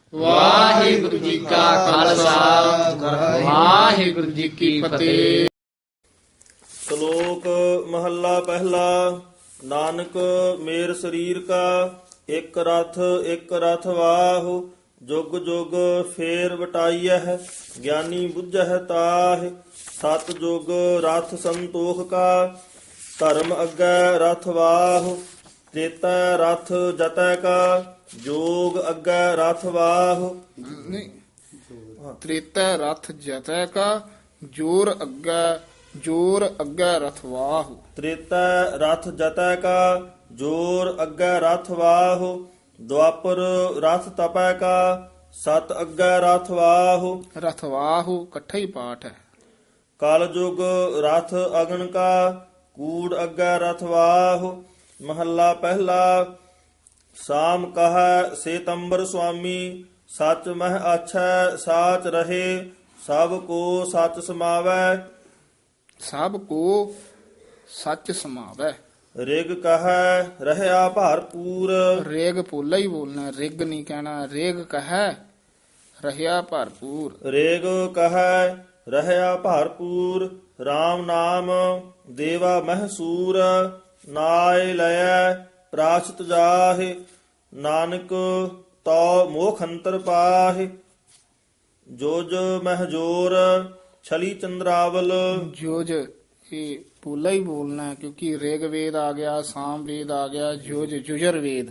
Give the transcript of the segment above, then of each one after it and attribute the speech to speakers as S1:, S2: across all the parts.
S1: ਵਾਹਿਗੁਰੂ ਜੀ ਕਾ ਖਾਲਸਾ ਵਾਹਿਗੁਰੂ ਜੀ ਕੀ ਫਤਿਹ।
S2: ਸ਼ਲੋਕ ਮਹੱਲਾ ਪਹਿਲਾ। ਨਾਨਕ ਮੇਰ ਸਰੀਰ ਕਾ ਇੱਕ ਰਥ ਵਾਹੁ। ਜੁਗ ਜੁਗ ਫੇਰ ਵਟਾਈਐ ਗਿਆਨੀ ਬੁੱਝਹਿ ਤਾਹਿ। ਸਤ ਜੁਗ ਰਥ ਸੰਤੋਖ ਕਾ ਧਰਮ ਅੱਗੇ ਰਥ ਵਾਹੁ। ਤ੍ਰੇਤਾ ਰਥ ਜਤੈ ਕਾ ਜੋਗ ਅੱਗੇ ਰਥ ਵਾਹੁ।
S3: ਨਹੀਂ, ਤ੍ਰੇਤੈ ਰਥ ਜਤੈ ਕਾ ਜੋਰ ਅੱਗੇ ਰਥਵਾਹੁ।
S2: ਤ੍ਰੇਤਾ ਰਥ ਜਤੈ ਕਾ ਜੋਰ ਅੱਗੇ ਰਥ ਵਾਹੁ। ਦੁਆਪਰ ਰਥ ਤਪੈ ਕਾ ਸਤ ਅੱਗੇ ਰਥ ਵਾਹੁ।
S3: ਰਥਵਾਹੁ ਇਕੱਠਾ ਹੀ ਪਾਠ ਹੈ।
S2: ਕਲ ਜੁਗ ਰਥ ਅਗਨ ਕਾ ਕੂੜ ਅੱਗੇ ਰਥ ਵਾਹੁ। ਮਹੱਲਾ ਪਹਿਲਾ। ਸਾਮ ਕਹੈ ਸੇਤੰਬਰ ਸੁਆਮੀ ਸਚ ਮਹਿ ਆਛੈ ਸਾਚ ਰਹੇ। ਸਭ ਕੋ ਸਚ ਸਮਾਵੈ
S3: ਸਭ ਕੋ ਸੱਚ ਸਮਾਵੈ।
S2: ਰਿਗ ਕਹੈ ਰਹਿਆ ਭਰਪੂਰ।
S3: ਰੇਗ ਪੋਲਾ ਹੀ ਬੋਲਣਾ, ਰਿਗ ਨਹੀਂ ਕਹਿਣਾ। ਰੇਗ ਕਹੈ ਰਹਿਆ ਭਰਪੂਰ।
S2: ਰੇਗ ਕਹੈ ਰਹਿਆ ਭਰਪੂਰ। RAM ਨਾਮ ਦੇਵਾ ਮਹਸੂਰ। ਨਾਇ ਲਇਐ ਪ੍ਰਾਸ਼ਤ ਜਾਹਿ। ਨਾਨਕ ਤੋ ਮੋਖ ਅੰਤਰ ਪਾਹਿ। ਜੋਜ ਮਹਜੋਰ ਛਲੀ ਚੰਦਰਾਵਲ।
S3: ਜੋਜ ਇਹ ਪੋਲਾ ਹੀ ਬੋਲਣਾ, ਕਿਉਂਕਿ ਰਿਗ ਵੇਦ ਆ ਗਿਆ, ਸਾਮ ਵੇਦ ਆ ਗਿਆ, ਜੋਜ ਜੁਜਰ ਵੇਦ।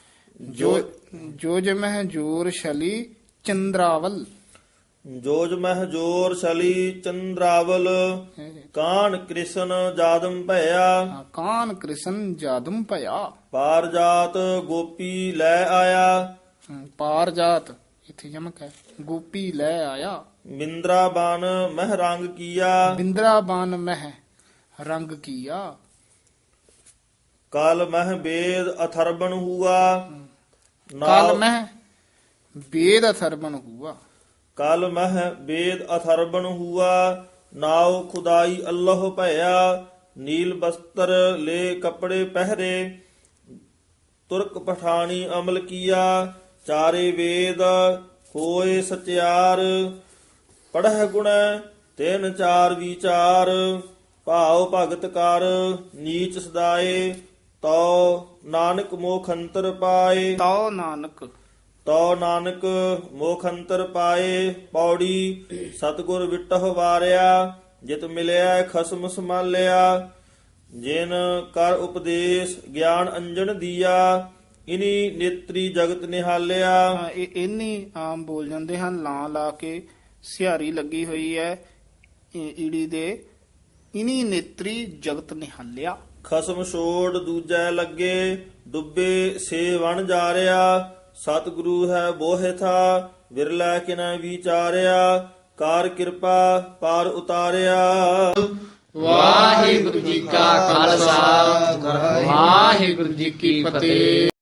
S3: ਜੋਜ ਮਹਿ ਜੋਰ ਛਲੀ ਚੰਦਰਾਵਲ।
S2: ਜੋਜ ਮਹਜੋਰ ਛਲੀ ਚੰਦਰਾਵਲ। ਕਾਨ ਕ੍ਰਿਸ਼ਨ ਜਾਦਮ ਭਇਆ।
S3: ਕਾਨ ਕ੍ਰਿਸ਼ਨ ਜਾਦਮ ਭਇਆ।
S2: ਪਾਰ ਜਾਤ ਗੋਪੀ ਲੈ ਆਇਆ।
S3: ਪਾਰ ਜਾਤ ਇੱਥੇ ਯਮਕ ਹੈ। ਗੋਪੀ ਲੈ ਆਇਆ।
S2: ਮਿੰਦਰਾ ਬਨ ਮਹਿ ਰੰਗ ਕੀਆ।
S3: ਬਿੰਦਰਾਬਾਨ ਮਹਿ ਰੰਗ ਕੀਆ।
S2: ਕਲ ਮਹਿ ਵੇਦ ਅਥਰਬਨ ਹੁਆ।
S3: ਕਾਲ ਮਹਿ ਵੇਦ ਅਥਰਬਨ ਹੁਆ।
S2: ਕਲ ਮਹਿ ਵੇਦ ਅਥਰਬਨ ਹੁਆ। ਨਾਉ ਖੁਦਾਈ ਅੱਲਾਹ ਭਇਆ। ਨੀਲ ਬਸਤਰ ਲੈ ਕਪੜੇ ਪਹਿਰੇ। ਤੁਰਕ ਪਠਾਣੀ ਅਮਲ ਕੀਆ। ਚਾਰੇ ਵੇਦ ਹੋਏ ਸਚਿਆਰ। ਪੜ੍ਹ ਗੁਣ ਤਿੰਨ ਚਾਰ ਵਿਚਾਰ। ਭਾਉ ਭਗਤ ਕਰ ਨੀਚ ਸਦਾਏ। ਤਉ ਨਾਨਕ ਮੋਖ ਅੰਤਰ ਪਾਏ। ਤਉ ਨਾਨਕ ਮੋਖ ਅੰਤਰ ਪਾਏ। ਪੌੜੀ ਸਤਿਗੁਰ ਵਿਟਹੁ ਵਾਰਿਆ। ਜਿਤ ਮਿਲਿਆ ਖਸਮ ਸੰਭਾਲਿਆ। ਜਿਨ ਕਰ ਉਪਦੇਸ਼ ਗਿਆਨ ਅੰਜਨ ਦੀਆ। ਇਨੀ ਨੇਤਰੀ ਜਗਤ ਨਿਹਾਲਿਆ।
S3: ਇਹ ਇੰਨੀ ਆਮ ਬੋਲ ਜਾਂਦੇ ਹਨ, ਲਾਂ ਲਾ ਕੇ ਸਿਹਾਰੀ ਲੱਗੀ ਹੋਈ ਹੈ ਈੜੀ ਦੇ। ਇਨੀ ਨੇਤਰੀ ਜਗਤ ਨਿਹਾਲਿਆ।
S2: ਖਸਮ ਛੋੜ ਦੂਜੈ ਲੱਗੇ। ਡੁੱਬੇ ਸੇ ਵਣ ਜਾਰਿਆ। ਸਤਿਗੁਰੂ ਹੈ ਬੋਹਿ ਥਾ ਵਿਰਲਾ ਕਿਨਾ ਵਿਚਾਰਿਆ। ਕਾਰ ਕਿਰਪਾ ਪਾਰ ਉਤਾਰਿਆ।
S1: ਵਾਹਿਗੁਰੂ ਜੀ ਕਾ ਖਾਲਸਾ ਵਾਹਿਗੁਰੂ ਜੀ ਕੀ ਫਤਿਹ।